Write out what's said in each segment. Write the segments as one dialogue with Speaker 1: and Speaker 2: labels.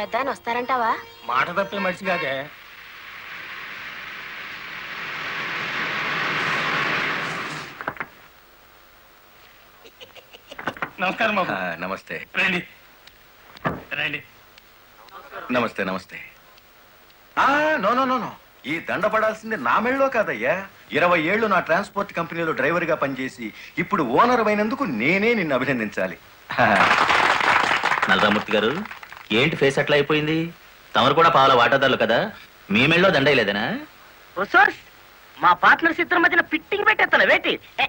Speaker 1: పెద్ద ఆయన వస్తారంటావా?
Speaker 2: మాట తప్పే మనిషి కాదే. నమస్కారం బాబు.
Speaker 3: నమస్తే.
Speaker 2: రండి రండి.
Speaker 3: నమస్తే నమస్తే. నో నో నో నో, ఈ దండ పడాల్సింది నా మెళ్ళలో కాదయ్యా. 20 ఏళ్ళు నా ట్రాన్స్పోర్ట్ కంపెనీలో డ్రైవర్ గా పనిచేసి ఇప్పుడు ఓనర్ అయినందుకు నేనే నిన్ను అభినందించాలి.
Speaker 4: నల్లరామూర్తి గారు, ఏంటి ఫేస్ అట్లా అయిపోయింది? తమరు కూడా పాల వాటాదారులు కదా, మీ మెళ్ళలో దండయలేదనా?
Speaker 5: మా పార్ట్నర్స్ ఇద్దరి మధ్యన ఫిట్టింగ్ పెట్టేస్తాను వేటి.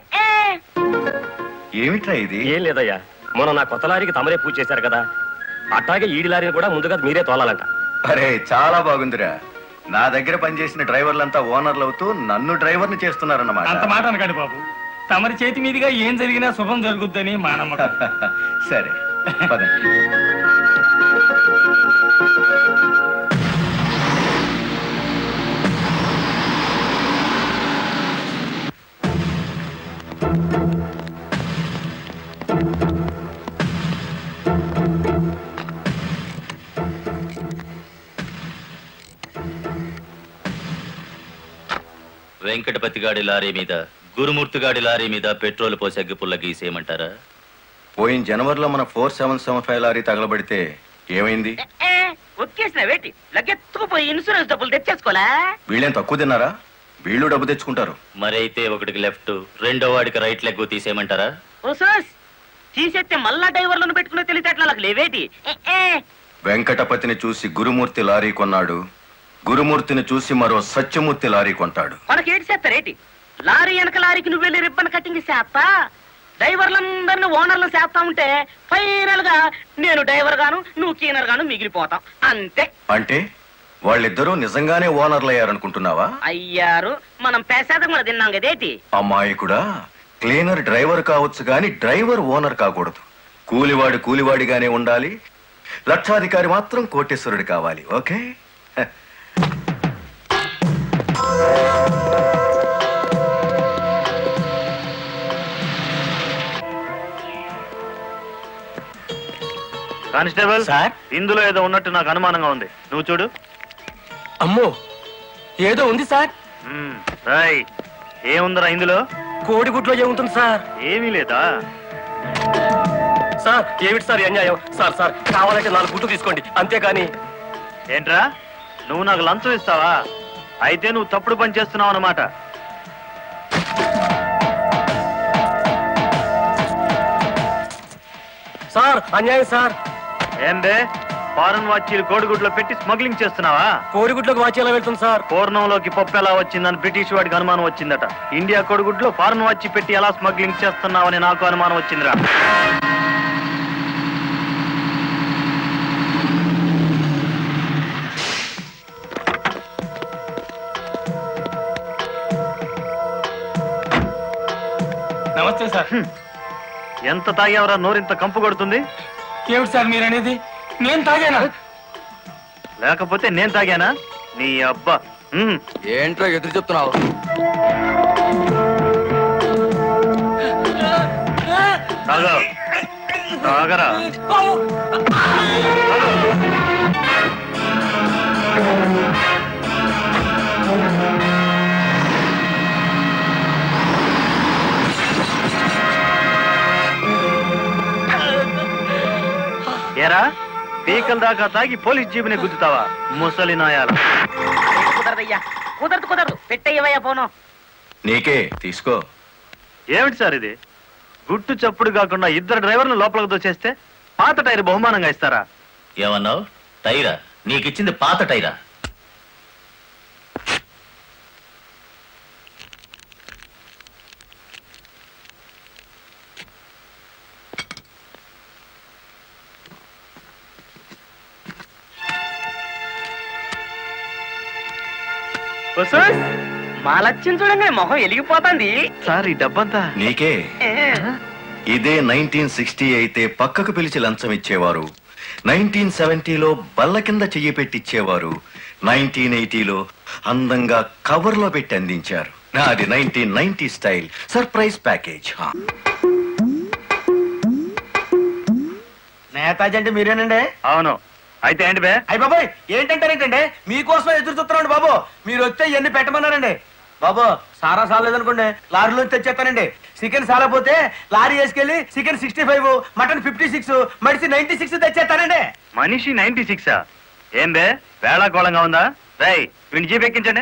Speaker 3: ఏమిట్రా ఇది?
Speaker 6: ఏం లేదయ్యా, మొన్న నా కొత్త లారీకి తమరే పూజ చేశారు కదా, అట్లాగే ఈడి లారీని కూడా ముందుగా మీరే తోలాలంట.
Speaker 3: అరే చాలా బాగుందిరా. నా దగ్గర పనిచేసిన డ్రైవర్లంతా ఓనర్లు అవుతూ నన్ను డ్రైవర్ని చేస్తున్నారన్నమాట.
Speaker 2: అంత మాట అనకండి బాబు. తమరి చేతి మీదుగా ఏం జరిగినా శుభం జరుగుద్దని మా నమ్మకం.
Speaker 3: సరే పదండి.
Speaker 4: వెంకటపతి గాడి లారీ మీద, గురుమూర్తి గాడి లారీ మీద పెట్రోల్ పోసి అగ్గిపుల్ల గీసేయమంటారా?
Speaker 3: పోయిన జనవరిలో మన 4775 లారీ తగలబడితే ఏమైంది?
Speaker 5: ఒక్కేసిన వేటి లగ్గెత్తుకుపోయి ఇన్సూరెన్స్ డబ్బులు తెచ్చేసుకోలే.
Speaker 3: వీళ్ళేం తక్కువ తిన్నారా? వీళ్ళు డబ్బు తెచ్చుకుంటారు.
Speaker 4: మరైతే ఒకటికి లెఫ్ట్, రెండో వాడికి రైట్ లెగ్ తీసేయమంటారా?
Speaker 5: తీసేస్తే మళ్ళా డ్రైవర్లను పెట్టుకునే తెలిసేట్లా లేవేటి.
Speaker 3: వెంకటపతిని చూసి గురుమూర్తి లారీ కొన్నాడు, గురుమూర్తిని చూసి మరో సత్యమూర్తి లారీ కొంటాడు.
Speaker 5: మనకేటి చేస్తారేటి? లారీ వెనక లారీకి నువ్వు వెళ్ళి రిబ్బన్ కట్టింగ్ చేస్తా, డ్రైవర్లందరినీ ఓనర్లు చేస్తా ఉంటే ఫైనల్ గా నేను డ్రైవర్ గాను నువ్వు క్లీనర్ గాను మిగిలిపోతాం అంతే.
Speaker 3: అంటే వాళ్ళిద్దరూ నిజంగానే ఓనర్లు అయ్యారనుకుంటున్నావా?
Speaker 5: అయ్యారు, మనం పేసాదం కూడా తిన్నాం కదేటి.
Speaker 3: అమ్మాయి కూడా క్లీనర్ డ్రైవర్ కావచ్చు గాని డ్రైవర్ ఓనర్ కాకూడదు. కూలివాడు కూలివాడిగానే ఉండాలి, లక్షాధికారి మాత్రం కోటేశ్వరుడు కావాలి. ఓకే?
Speaker 6: కానిస్టేబుల్
Speaker 2: సార్,
Speaker 6: ఇందులో ఏదో ఉన్నట్టు నాకు అనుమానంగా ఉంది, నువ్వు చూడు.
Speaker 2: అమ్మో, ఏదో ఉంది సార్.
Speaker 6: రాయ్, ఏముందరా ఇందులో?
Speaker 2: కోడిగుడ్లో ఏముంటుంది సార్?
Speaker 6: ఏమీ లేదా
Speaker 2: సార్? ఏమిటి సార్ అన్యాయం? సార్ సార్ కావాలంటే 4 గుడ్లు తీసుకోండి, అంతేకాని.
Speaker 6: ఏంట్రా, నువ్వు నాకు లంచం ఇస్తావా? అయితే నువ్వు తప్పుడు పని చేస్తున్నావు అన్నమాట.
Speaker 2: సార్ అన్యాయం సార్.
Speaker 6: ఏం బే, ఫారెన్ వాచీలు కోడిగుడ్లో పెట్టి స్మగ్లింగ్ చేస్తున్నావా?
Speaker 2: కోడిగుడ్లోకి వాచి ఎలా వెళ్తుంది సార్?
Speaker 6: పూర్ణంలోకి పప్పు ఎలా వచ్చిందని బ్రిటిష్ వాడికి అనుమానం వచ్చిందట. ఇండియా కోడిగుడ్లో ఫారెన్ వాచి పెట్టి ఎలా స్మగ్లింగ్ చేస్తున్నావని నాకు అనుమానం వచ్చిందిరా.
Speaker 2: నమస్తే సార్.
Speaker 6: ఎంత తాగేవరా నోరింత కంపు కొడుతుంది?
Speaker 2: ఏమిటి సార్ మీరు అనేది? నేను తాగానా?
Speaker 6: లేకపోతే నేను తాగానా? నీ అబ్బా.
Speaker 7: ఏంట్రా ఎదురు చెప్తున్నావు?
Speaker 6: తాగరా. ఏరా, పీకల దాకా తాగి పోలీస్ జీబుని గుద్దుతావా ముసలి నాయాల?
Speaker 5: కుదరదయ్యా, కుదరదు, పెట్టయ్యవయ్యా పోను.
Speaker 3: నీకే తీసుకో.
Speaker 6: ఏమిటి సార్ ఇది? గుట్టు చప్పుడు కాకుండా 2 డ్రైవర్లు లోపలికి దోచేస్తే పాత టైర్ బహుమానంగా ఇస్తారా?
Speaker 4: ఏమన్నావు? టైరా? నీకిచ్చింది పాత టైరా?
Speaker 5: మా లక్ష్యం చూడంగానే మొహం వెలిగిపోతుంది.
Speaker 6: సార్, ఈ డబ్బంతా
Speaker 3: నీకే. ఇదే 1960 అయితే పక్కకు పిలిచి లంచం ఇచ్చేవారు, 1970లో బల్ల కింద చెయ్యి పెట్టిచ్చేవారు, 1980లో అందంగా కవర్లో పెట్టి అందించారు. నాది 1990 స్టైల్ సర్ప్రైజ్ ప్యాకేజ్.
Speaker 7: నేతాజీ అంటే మీరేనండి?
Speaker 6: అవును, అయితే ఏంటి బే?
Speaker 1: అయ్య బాబాయ్ ఏంటంటారేంటండి మీకోసం ఎదురు చూస్తున్నాండి బాబు. మీరు వస్తే ఇవన్నీ పెట్టమన్నారండి బాబు. సారా సాలేదనుకోండి లారీలో తెచ్చేస్తానండి. చికెన్ సాలపోతే లారీ వేసుకెళ్ళి చికెన్ 65, మటన్ 56, మడిసి 96 తెచ్చేస్తానండి.
Speaker 6: మనిషి 96. ఏం బే వేళాకోళంగా ఉందా? రై వీడిని జీప్ ఎక్కించండి.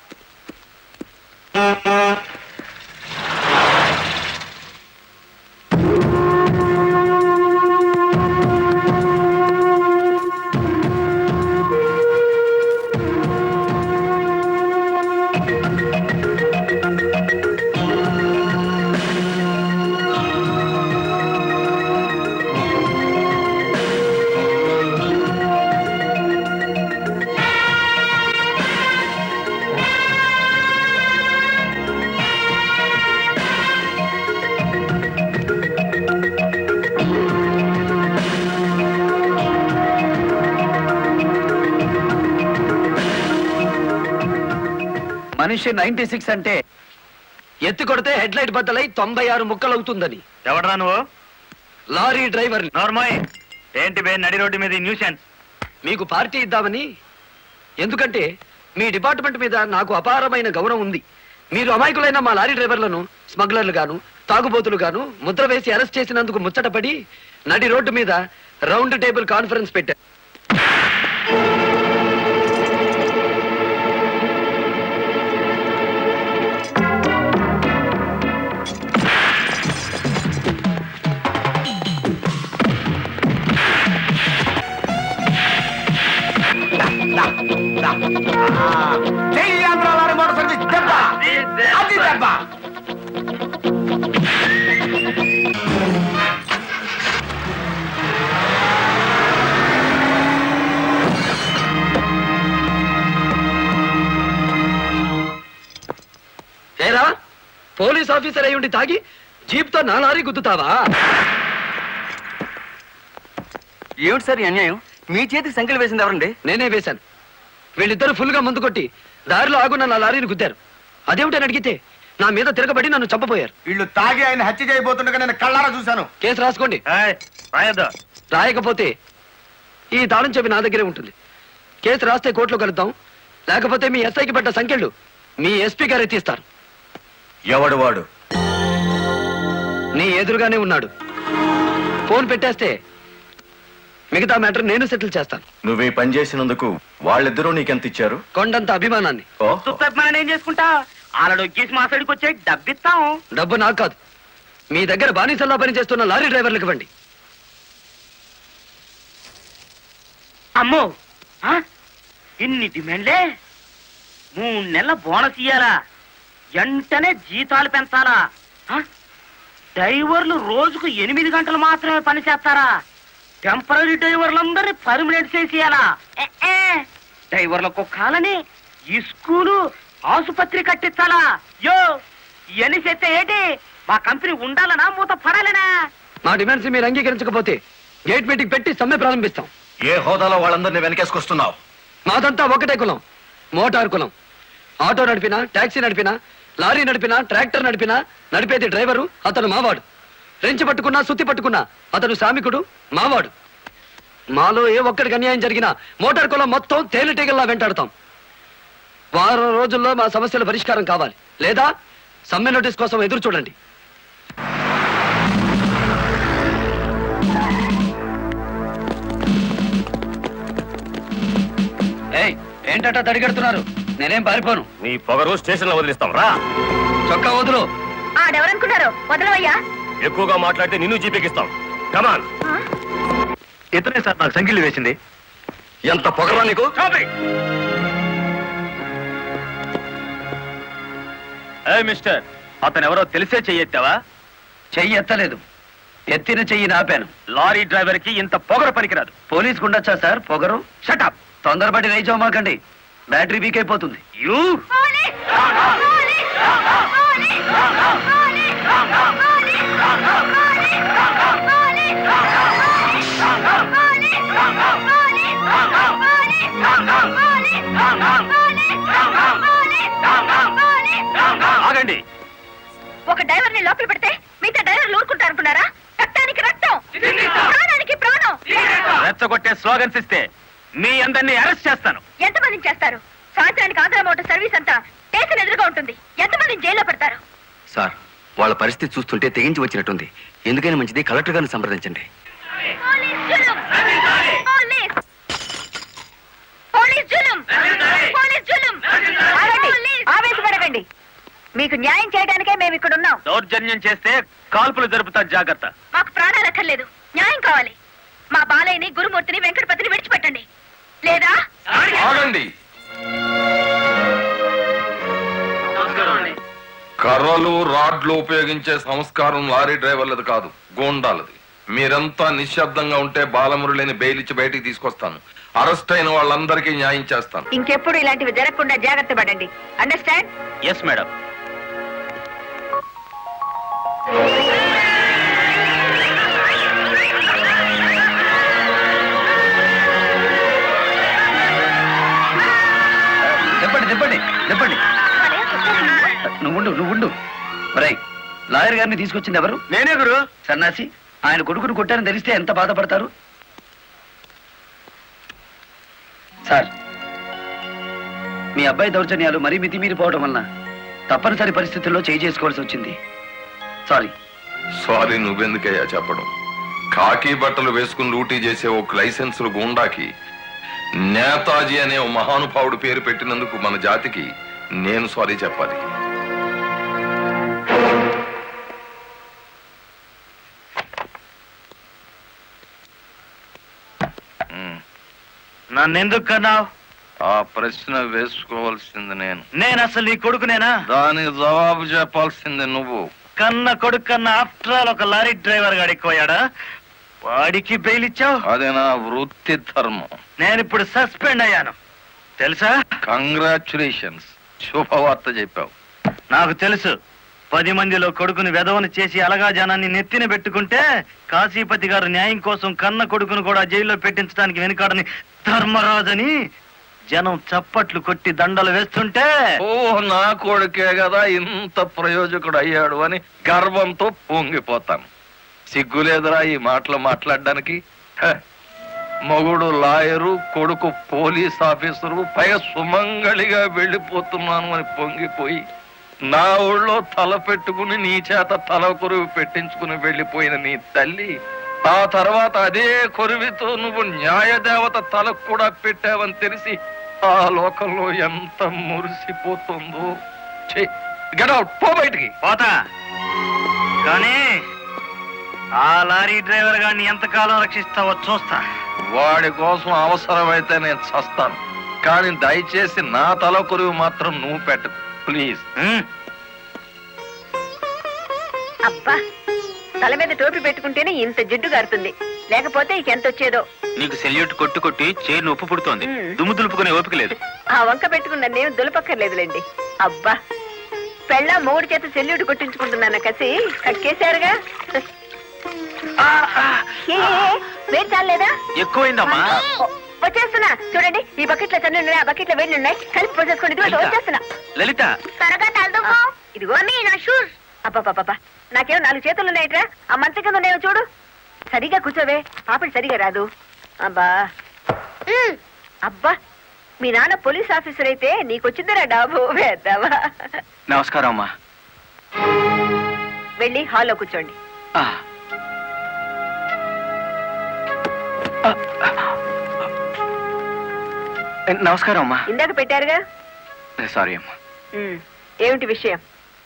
Speaker 7: మనిషి 96 అంటే ఎత్తి కొడితే హెడ్ లైట్ బద్దలై 96 ముక్కలు అవుతుందని.
Speaker 6: ఎవడరా నువ్వు?
Speaker 7: Lorry driver.
Speaker 6: నోర్మోయ్, ఏంటి బే నడి రోడ్డు మీద న్యూసెన్స్?
Speaker 7: మీకు పార్టీ ఇద్దామని. ఎందుకంటే మీ డిపార్ట్మెంట్ మీద నాకు అపారమైన గౌరవం ఉంది. మీరు అమాయకులైన మా లారీ డ్రైవర్లను స్మగ్లర్లు గాను తాగుబోతులు గాను ముద్ర వేసి అరెస్ట్ చేసినందుకు ముచ్చటపడి నడి రోడ్డు మీద రౌండ్ టేబుల్ కాన్ఫరెన్స్ పెట్టారు.
Speaker 1: జై ఆంధ్ర లారీ మోటార్ సర్వీస్ దెబ్బ. అది దెబ్బ.
Speaker 7: ఏరా పోలీస్ ఆఫీసర్ అయి ఉండి తాగి జీప్ తో నా లారీ గుద్దుతావా?
Speaker 1: ఏమిటి సార్ ఈ అన్యాయం? మీ చేతికి సంఖ్యలు వేసింది ఎవరండి?
Speaker 7: నేనే వేశాను. వీళ్ళిద్దరు ఫుల్ గా ముందు కొట్టి దారిలో ఆగున్న నా లారీని గుద్దారు. అదేమిటని అడిగితే నా మీద తిరగబడి నన్ను చంపపోయారు.
Speaker 1: వీళ్ళు తాగి ఆయన హత్య చేయబోతుండగా నేను కళ్ళారా చూశాను.
Speaker 7: కేసు రాసుకోండి.
Speaker 6: ఏయ్, రాయొద్దు.
Speaker 7: రాయకపోతే ఈ తాళం చెవి నా దగ్గరే ఉంటుంది. కేసు రాస్తే కోర్టులో కలుద్దాం. లేకపోతే మీ ఎస్ఐకి పడ్డ సంఖ్యలు మీ ఎస్పీ గారు ఎత్తిస్తారు.
Speaker 3: ఎవడు వాడు?
Speaker 7: నీ ఎదురుగానే ఉన్నాడు. ఫోన్ పెట్టేస్తే మిగతా మ్యాటర్ నేను సెటిల్ చేస్తాను.
Speaker 3: నువ్వు ఈ పని చేసినందుకు వాళ్ళిద్దరూ నీకెంత ఇచ్చారు?
Speaker 7: కొండంత అభిమానాన్ని.
Speaker 5: మనం ఏం చేసుకుంటా ఆలడు వచ్చేసి మా సైడ్కి వచ్చే డబ్బిస్తాం.
Speaker 7: డబ్బు నాకు కాదు, మీ దగ్గర బానిసల్లా పనిచేస్తున్న లారీ డ్రైవర్లకు ఇవ్వండి.
Speaker 5: అమ్మో ఆ? ఇన్ని డిమాండ్లే. 3 నెలల బోనస్ ఇయ్యాలా? వెంటనే జీతాలు పెంచాలా? ఆ? డ్రైవర్లు రోజుకు 8 గంటలు మాత్రమే పని చేస్తారా? టెంపరీ డ్రైవర్లందరినీ పర్మనెంట్ చేసేయాలా? డ్రైవర్లకు కాలని ఈ స్కూలు ఆసుపత్రి కట్టించాలా? యో ఇవన్నీ చేస్తే ఏంటి? మా కంపెనీ ఉండాలనా మూత పడాలనా?
Speaker 7: మా డిమాండ్స్ మీరు అంగీకరించకపోతే గేట్ మీటింగ్ పెట్టి సమ్మె ప్రారంభిస్తాం.
Speaker 3: ఏ హోదాలో వాళ్ళందరినీ వెనకేసుకొస్తున్నావు?
Speaker 7: మాదంతా ఒకటే కులం, మోటార్ కులం. ఆటో నడిపినా, టాక్సీ నడిపినా, లారీ నడిపినా, ట్రాక్టర్ నడిపినా నడిపేది డ్రైవరు. అతను మావాడు. రెంచి పట్టుకున్నా, సుత్తి పట్టుకున్నా అతను శ్రామికుడు, మావాడు. మాలో ఏ ఒక్కడికి అన్యాయం జరిగినా మోటార్ కులం మొత్తం తేలిటీగల్లా వెంటాడతాం. వారం రోజుల్లో మా సమస్యల పరిష్కారం కావాలి, లేదా సమ్మె నోటీస్ కోసం ఎదురు చూడండి. ఏయ్, ఏంటట తడిగడుతున్నారు? నేనేం పారిపోను.
Speaker 6: నీ పొగరు స్టేషన్ లో వదిలిస్తాం రా.
Speaker 7: చొక్కా వదులు.
Speaker 8: ఆడెవరనుకున్నారు? వదలవయ్యా.
Speaker 6: ఎక్కువగా మాట్లాడితే నిన్ను జీపెక్కిస్తాం. కమాన్. ఇతనే సార్ నాకు సంఖ్యలు వేసింది.
Speaker 3: ఎంత పొగరా నీకు?
Speaker 6: మిస్టర్, అతను ఎవరో తెలిసే చెయ్యెత్తావా?
Speaker 7: చెయ్యి ఎత్తలేదు, ఎత్తిన చెయ్యి నాపాను.
Speaker 6: లారీ డ్రైవర్ కి ఇంత పొగరు పనికిరాదు.
Speaker 7: పోలీసుకు ఉండొచ్చా సార్ పొగరు?
Speaker 6: షటప్.
Speaker 7: తొందరపడి రైచోమాకండి, బ్యాటరీ వీక్ అయిపోతుంది.
Speaker 6: యూ ఆగండి.
Speaker 8: ఒక డ్రైవర్ ని లోపల పెడితే మిగతా డ్రైవర్లు ఊరుకుంటారు అనుకున్నారా? రక్తానికి రక్తం, ప్రాణానికి ప్రాణం.
Speaker 6: రెచ్చగొట్టే స్లోగన్స్ ఇస్తే మీ అందరినీ అరెస్ట్ చేస్తాను.
Speaker 8: ఎంతమందిని చేస్తారు? సాయంత్రానికి ఆంధ్ర మోటార్ సర్వీస్ అంతా స్టేషన్ ఎదురుగా ఉంటుంది. ఎంతమందిని జైల్లో పెడతారు?
Speaker 7: సార్, వాళ్ళ పరిస్థితి చూస్తుంటే తెగించి వచ్చినట్టుంది. ఎందుకైనా మంచిది కలెక్టర్ గారిని సంప్రదించండి.
Speaker 8: పోలీస్ జులుం! పోలీస్! పోలీస్ జులుం! పోలీస్ జులుం! ఆగండి! ఆవేశపడకండి. మీకు న్యాయం చేయడానికే మేము ఇక్కడ ఉన్నాం.
Speaker 6: దౌర్జన్యం చేస్తే కాల్పులు జరుపుతారు, జాగ్రత్త.
Speaker 8: మాకు ప్రాణాలు అక్కర్లేదు, న్యాయం కావాలి. మా బాలయ్యని, గురుమూర్తిని, వెంకటపతిని విడిచిపెట్టండి. లేదా
Speaker 9: ఆగండి. కర్రలు రాడ్లు ఉపయోగించే సంస్కారం లారీ డ్రైవర్లది కాదు, గోండాలది. మీరంతా నిశ్శబ్దంగా ఉంటే బాలమురళిని బెయిలిచ్చి బయటికి తీసుకొస్తాను. అరెస్ట్ అయిన వాళ్ళందరికీ న్యాయం చేస్తాను.
Speaker 8: ఇంకెప్పుడు ఇలాంటివి జరగకుండా జాగ్రత్త పడండి. అండర్స్టాండ్?
Speaker 6: Yes madam.
Speaker 7: చెప్పండి. నువ్వుండు. రై, లాయర్ గారిని తీసుకొచ్చింది ఎవరు?
Speaker 6: నేనే గురు.
Speaker 7: సన్నాసి, ఆయన కొడుకును కొట్టారని తెలిస్తే ఎంత బాధపడతారు? సార్, మీ అబ్బాయి దౌర్జన్యాలు మరీ మితిమీరిపోవడం వలన తప్పనిసరి పరిస్థితుల్లో చేయి చేసుకోవాల్సి వచ్చింది. సారీ.
Speaker 9: సారీ నువ్వెందుకయ్యా చెప్పడం? కాకి బట్టలు వేసుకుని డ్యూటీ చేసే ఒక లైసెన్సులు గూండాకి నేతాజీ అనే ఓ మహానుభావుడు పేరు పెట్టినందుకు మన జాతికి నేను సారీ చెప్పాలి.
Speaker 6: నన్నెందుకు కన్నావు?
Speaker 9: ఆ ప్రశ్న వేసుకోవాల్సింది
Speaker 6: నేను అసలు నీ కొడుకునేనా?
Speaker 9: దానికి జవాబు చెప్పాల్సింది నువ్వు.
Speaker 6: కన్న కొడుకు కన్నా ఆఫ్టర్ ఆల్ ఒక లారీ డ్రైవర్ గాడు ఎక్కువయ్యాడా? వాడికి బెయిల్ ఇచ్చావు.
Speaker 9: అదే నా వృత్తి ధర్మం.
Speaker 6: నేను ఇప్పుడు సస్పెండ్ అయ్యాను తెలుసా?
Speaker 9: కంగ్రాచులేషన్స్, శుభవార్త చెప్పావు.
Speaker 6: నాకు తెలుసు. 10 మందిలో కొడుకుని వెధవను చేసి అలగా జనాన్ని నెత్తిన పెట్టుకుంటే కాశీపతి గారు న్యాయం కోసం కన్న కొడుకును కూడా జైల్లో పెట్టించడానికి వెనుకాడని ధర్మరాజని జనం చప్పట్లు కొట్టి దండలు వేస్తుంటే,
Speaker 9: ఓ నా కొడుకే కదా ఇంత ప్రయోజకుడు అయ్యాడు అని గర్వంతో పొంగిపోతాను. సిగ్గులేదురా ఈ మాటలు మాట్లాడడానికి? మొగుడు లాయరు, కొడుకు పోలీస్ ఆఫీసరు, పైగా సుమంగళిగా వెళ్ళిపోతున్నాను అని పొంగిపోయి నా ఊళ్ళో తల పెట్టుకుని నీ చేత తల కొరువు పెట్టించుకుని వెళ్ళిపోయిన నీ తల్లి ఆ తర్వాత అదే కొరువితో నువ్వు న్యాయదేవత తలకు కూడా పెట్టావని తెలిసి ఆ లోకంలో ఎంత మురిసిపోతుందో. గెట్ అవుట్, పో బయటికి.
Speaker 6: పోతా. కానీ ఆ లారీ డ్రైవర్ గారిని ఎంతకాలం రక్షిస్తావో చూస్తా.
Speaker 9: వాడి కోసం అవసరమైతే నేను చస్తాను, కానీ దయచేసి నా తల కొరువు మాత్రం నువ్వు పెట్టు ప్లీజ్.
Speaker 8: అబ్బా, తల మీద టోపీ పెట్టుకుంటేనే ఇంత జిడ్డు గారుతుంది, లేకపోతే ఇక ఎంత వచ్చేదో.
Speaker 4: నీకు సెల్యూట్ కొట్టు కొట్టి చేరు నొప్పు పుడుతోంది. దుమ్ము దులుపుకునే ఓపిక లేదు.
Speaker 8: ఆ వంక పెట్టుకున్న నేను దులపక్కర్లేదులేండి. అబ్బా, పెళ్ళ 3 చేత సెల్యూట్ కొట్టించుకుంటున్నాను కసి కక్కేశారుగా. వేడి చాలేదా?
Speaker 4: ఎక్కువైందమ్మా.
Speaker 8: వచ్చేస్తున్నా చూడండి. ఈ బకెట్ లో తన్ను ఉన్నాయి, ఆ బకెట్ లో వేడి ఉన్నాయి, కలిపి పోసేసుకోండి. ఇదిగో వచ్చేస్తున్నా.
Speaker 4: లలిత,
Speaker 8: త్వరగా తలదుకో. ఇదిగో నా షూస్. అబ్బా, నాకేమో 4 చేతులు ఉన్నాయిట్రా. ఆ మంచం కింద ఉన్నాయో చూడు. సరిగా కూర్చోవే, పాపడి సరిగా రాదు. అబ్బా అబ్బా, మీ నాన్న పోలీస్ ఆఫీసర్ అయితే నీకొచ్చిందిరా డాబు వేద్దావా.
Speaker 7: నమస్కారం అమ్మా.
Speaker 8: వెళ్ళి హాల్లో కూర్చోండి.
Speaker 7: నమస్కారం అమ్మా.
Speaker 8: ఇందాక పెట్టారుగా.
Speaker 7: సారీ అమ్మా.
Speaker 8: ఏమిటి విషయం?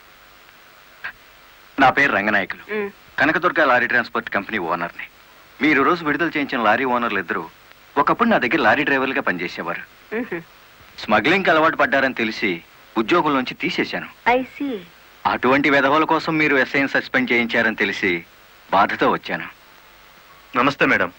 Speaker 7: నా పేరు రంగనాయకులు,
Speaker 8: ఉమ్,
Speaker 7: కనకదుర్గ లారీ ట్రాన్స్పోర్ట్ కంపెనీ ఓనర్ని. మీరు రోజు విడుదల చేయించిన లారీ ఓనర్లు ఇద్దరు ఒకప్పుడు నా దగ్గర లారీ డ్రైవర్లుగా పనిచేసేవారు.
Speaker 8: ఉహు.
Speaker 7: స్మగ్లింగ్కి అలవాటు పడ్డారని తెలిసి ఉద్యోగం నుంచి తీసేశాను.
Speaker 8: I see.
Speaker 7: అటువంటి వెధవల కోసం మీరు ఎస్ఐని సస్పెండ్ చేయించారని తెలిసి బాధతో వచ్చాను.
Speaker 6: నమస్తే మేడం.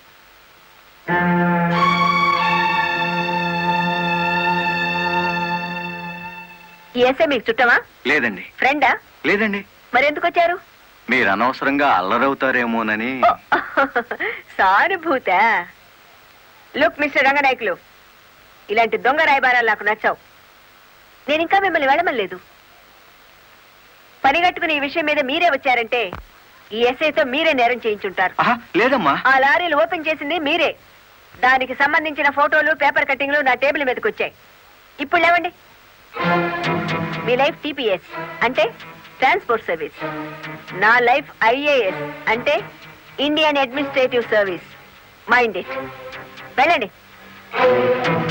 Speaker 8: ఈ ఎస్ఐ మీకు చుట్టమా?
Speaker 7: లేదండి.
Speaker 8: ఫ్రెండా?
Speaker 7: లేదండి.
Speaker 8: మరెందుకు వచ్చారు?
Speaker 7: మీరు అనవసరంగా అల్లరవుతారేమోనని.
Speaker 8: సానుభూత. లుక్ మిస్టర్ రంగనాయకులు, ఇలాంటి దొంగ రాయబారాలు నాకు నచ్చావు. నేను ఇంకా మిమ్మల్ని వెళ్ళమలేదు. పనిగట్టుకుని ఈ విషయం మీద మీరే వచ్చారంటే ఈ ఎస్ఐతో మీరే నేరం చేయించుంటారు.
Speaker 7: లేదమ్మా.
Speaker 8: ఆ లారీలు ఓపెన్ చేసింది మీరే. దానికి సంబంధించిన ఫోటోలు పేపర్ కట్టింగ్లు నా టేబుల్ మీదకి వచ్చాయి. ఇప్పుడు లేవండి. మీ లైఫ్ టీపీఎస్ అంటే ట్రాన్స్పోర్ట్ సర్వీస్, నా లైఫ్ ఐఏఎస్ అంటే Indian administrative service. Mind it. వెళ్ళండి.